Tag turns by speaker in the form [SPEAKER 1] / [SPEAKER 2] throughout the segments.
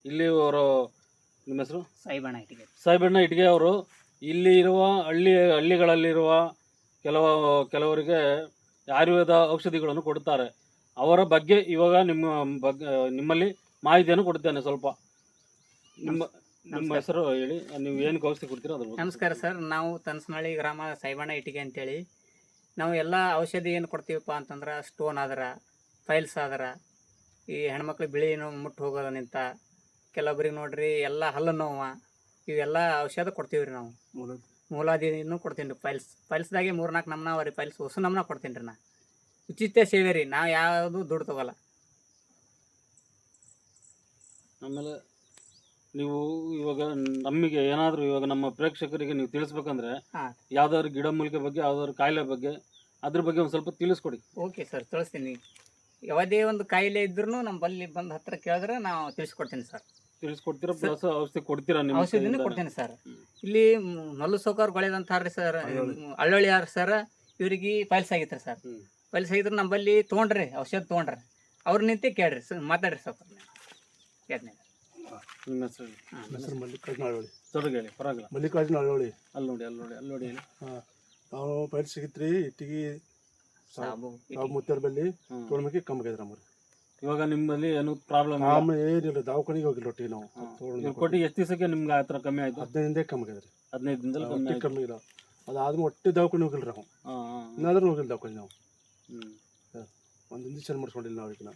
[SPEAKER 1] ಇಲ್ಲಿ ಅವರು ನಿಮ್ಮ ಹೆಸರು
[SPEAKER 2] ಸಾಯಿಬಣ್ಣ ಇಟ್ಟಿಗೆ.
[SPEAKER 1] ಸಾಹೇಬಣ್ಣ ಇಟ್ಗೆ ಅವರು ಇಲ್ಲಿ ಇರುವ ಹಳ್ಳಿಗಳಲ್ಲಿರುವ ಕೆಲವರಿಗೆ ಆಯುರ್ವೇದ ಔಷಧಿಗಳನ್ನು ಕೊಡುತ್ತಾರೆ. ಅವರ ಬಗ್ಗೆ ಇವಾಗ ನಿಮ್ಮಲ್ಲಿ ಮಾಹಿತಿಯನ್ನು ಕೊಡ್ತೇನೆ. ಸ್ವಲ್ಪ ನಿಮ್ಮ ಹೆಸರು ಹೇಳಿ, ನೀವು ಏನಕ್ಕೆ ಔಷಧಿ ಕೊಡ್ತೀರೋ ಅದ್ರ ಬಗ್ಗೆ.
[SPEAKER 2] ನಮಸ್ಕಾರ ಸರ್, ನಾವು ತನಸನಹಳ್ಳಿ ಗ್ರಾಮ ಸಾಯಿಬಣ್ಣ ಇಟ್ಟಿಗೆ ಅಂತೇಳಿ. ನಾವು ಎಲ್ಲ ಔಷಧಿ ಏನು ಕೊಡ್ತೀವಪ್ಪ ಅಂತಂದ್ರೆ, ಸ್ಟೋನ್ ಆದ್ರೆ, ಫೈಲ್ಸ್ ಆದ್ರೆ, ಈ ಹೆಣ್ಮಕ್ಳು ಬಿಳಿ ನೋವು ಮುಟ್ಟು ಹೋಗೋದನಿಂತ, ಕೆಲವೊಬ್ರಿಗೆ ನೋಡ್ರಿ ಎಲ್ಲ ಹಲ್ಲು ನೋವು, ಇವೆಲ್ಲ ಔಷಧ ಕೊಡ್ತೀವಿ ರೀ ನಾವು. ಮೂಲಾದಿನೂ ಕೊಡ್ತೀನಿ ರೀ. ಫೈಲ್ಸ್ದಾಗೆ 3-4 ನಮ್ನ ಅವ ರೀ. ಫೈಲ್ಸ್ ಹೊಸ ನಮ್ನ ಕೊಡ್ತೀನಿ ರೀ. ನಾ ಉಚಿತ ಸೇವೆ ರೀ, ನಾವು ಯಾವುದು ದುಡ್ಡು ತೊಗೊಲ್ಲ.
[SPEAKER 1] ಆಮೇಲೆ ನೀವು ಇವಾಗ ನಮಗೆ ಏನಾದರೂ ಇವಾಗ ನಮ್ಮ ಪ್ರೇಕ್ಷಕರಿಗೆ ನೀವು ತಿಳಿಸ್ಬೇಕಂದ್ರೆ, ಯಾವ್ದಾದ್ರು ಗಿಡಮೂಲಿಕೆ ಬಗ್ಗೆ, ಯಾವ್ದಾದ್ರು ಕಾಯಿಲೆ ಬಗ್ಗೆ, ಅದ್ರ ಬಗ್ಗೆ ಒಂದು ಸ್ವಲ್ಪ ತಿಳಿಸ್ಕೊಡಿ.
[SPEAKER 2] ಓಕೆ ಸರ್, ತಿಳಿಸ್ತೀನಿ. ಯಾವುದೇ ಒಂದು ಕಾಯಿಲೆ ಇದ್ರೂ ನಮ್ಮ ಬಲ್ಲಿ ಬಂದು ಹತ್ರ ಕೇಳಿದ್ರೆ ನಾವು ತಿಳಿಸ್ಕೊಡ್ತೀನಿ ಸರ್.
[SPEAKER 1] ತಿಳಿಸ್ಕೊಡ್ತೀರಾ? ಪ್ಲಸ್ ಔಷಧಿ ಕೊಡ್ತೀರಾ? ನಿಮ್ಮ
[SPEAKER 2] ಔಷಧಿನೂ ಕೊಡ್ತೀನಿ ಸರ್. ಇಲ್ಲಿ ಮಲ್ಲು ಸೌಕರ್ ಗೊಳೆದಂತಾರ್ರಿ ಸರ್, ಅಳ್ಳೊಳ್ಳಿ ಯಾರು ಸರ್, ಇವ್ರಿಗೆ ಫೈಲ್ಸ್ ಆಗಿತ್ತು ಸರ್. ಫೈಲ್ಸ್ ಆಗಿದ್ರೆ ನಮ್ಮಲ್ಲಿ ತೊಗೊಂಡ್ರಿ, ಔಷಧ ತೊಗೊಂಡ್ರಿ. ಅವ್ರು ನಿಂತೆ ಕೇಳ್ರಿ ಸರ್, ಮಾತಾಡ್ರಿ ಸೌಕರ್. ಕೇಳ್ತೀನಿ.
[SPEAKER 1] ನಿಮ್ಮ ಹೆಸರು?
[SPEAKER 3] ಹೆಸರು ಮಲ್ಲಿಕಾರ್ಜುನ ಅಳ್ಳೋಳಿ.
[SPEAKER 1] ತೊಡಗಿ ಹೇಳಿ, ಪರವಾಗಿಲ್ಲ.
[SPEAKER 3] ಮಲ್ಲಿಕಾರ್ಜುನ ಅಳ್ಳೋಳಿ.
[SPEAKER 1] ಅಲ್ಲಿ ನೋಡಿ ಹೇಳಿ.
[SPEAKER 3] ನಾವು ಫೈಲ್ಸ್ ಸಿಗಿತ್ರಿ, ಇಟ್ಟಿಗೆ ಸಾಬು ಮುತ್ತರ ಬಲ್ಲಿ ತೊಗೊಂಡ್ಮಿ ಕಮ್ಮಿದ್ರೆ ನಮ್ಗೆ.
[SPEAKER 1] ಇವಾಗ ನಿಮ್ಮಲ್ಲಿ ಏನು ಪ್ರಾಬ್ಲಮ್?
[SPEAKER 3] ಏನಿಲ್ಲ, ದವಾಖಾನಿಗೆ ಹೋಗಿಲ್ಲ ಒಟ್ಟಿಗೆ ನಾವು.
[SPEAKER 1] ಕೊಟ್ಟು ಎಷ್ಟು ದಿವಸಕ್ಕೆ ನಿಮ್ಗೆ ಆ ಥರ ಕಮ್ಮಿ ಆಯ್ತು?
[SPEAKER 3] 15 ದಿನದೇ ಕಮ್ಮಿ ಆಗಿದ್ರಿ.
[SPEAKER 1] 15 ದಿನದಲ್ಲಿ
[SPEAKER 3] ಕಮ್ಮಿ ಇಲ್ಲ. ಅದಾದ್ಮೇಲೆ ಒಟ್ಟೆ ದವಾಖಾನೆ ಹೋಗಿಲ್ಲ ನಾವು. ಇನ್ನಾದ್ರೂ ಹೋಗಿಲ್ಲ ದವಾಖಾನೆ ನಾವು. ಒಂದು ಇಂಜೆಕ್ಷನ್ ಮಾಡಿಸ್ಕೊಂಡಿಲ್ಲ ನಾವು ಈಗ.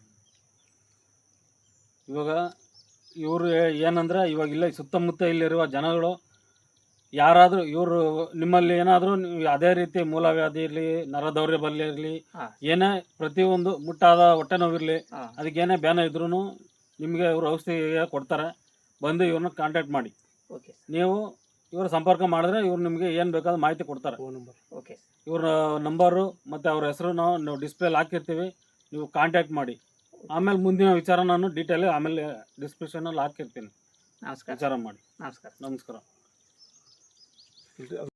[SPEAKER 1] ಇವಾಗ ಇವರು ಏನಂದ್ರೆ, ಇವಾಗ ಇಲ್ಲ ಸುತ್ತಮುತ್ತ ಇಲ್ಲಿರುವ ಜನಗಳು ಯಾರಾದರೂ ಇವರು ನಿಮ್ಮಲ್ಲಿ ಏನಾದರೂ ಅದೇ ರೀತಿ ಮೂಲವ್ಯಾಧಿ ಇರಲಿ, ನರದೌರ್ಯಬಲ್ಯ ಇರಲಿ, ಏನೇ ಪ್ರತಿಯೊಂದು ಮುಟ್ಟಾದ ಹೊಟ್ಟೆ ನೋವಿರಲಿ, ಅದಕ್ಕೇನೇ ಬ್ಯಾನ ಇದ್ರೂ ನಿಮಗೆ ಇವರು ಔಷಧಿ ಕೊಡ್ತಾರೆ. ಬಂದು ಇವ್ರನ್ನ ಕಾಂಟ್ಯಾಕ್ಟ್ ಮಾಡಿ. ನೀವು ಇವರು ಸಂಪರ್ಕ ಮಾಡಿದ್ರೆ ಇವ್ರು ನಿಮಗೆ ಏನು ಬೇಕಾದ ಮಾಹಿತಿ ಕೊಡ್ತಾರೆ. ಇವ್ರ ನಂಬರು ಮತ್ತು ಅವ್ರ ಹೆಸರು ನಾವು ಡಿಸ್ಪ್ಲೇಲಿ ಹಾಕಿರ್ತೀವಿ. ನೀವು ಕಾಂಟ್ಯಾಕ್ಟ್ ಮಾಡಿ. ಆಮೇಲೆ ಮುಂದಿನ ವಿಚಾರ ನಾನು ಡೀಟೇಲ್ ಆಮೇಲೆ ಡಿಸ್ಕ್ರಿಪ್ಷನಲ್ಲಿ ಹಾಕಿರ್ತೀನಿ.
[SPEAKER 2] ನಮಸ್ಕಾರ.
[SPEAKER 1] ವಿಚಾರ ಮಾಡಿ.
[SPEAKER 2] ನಮಸ್ಕಾರ.
[SPEAKER 1] ನಮಸ್ಕಾರ.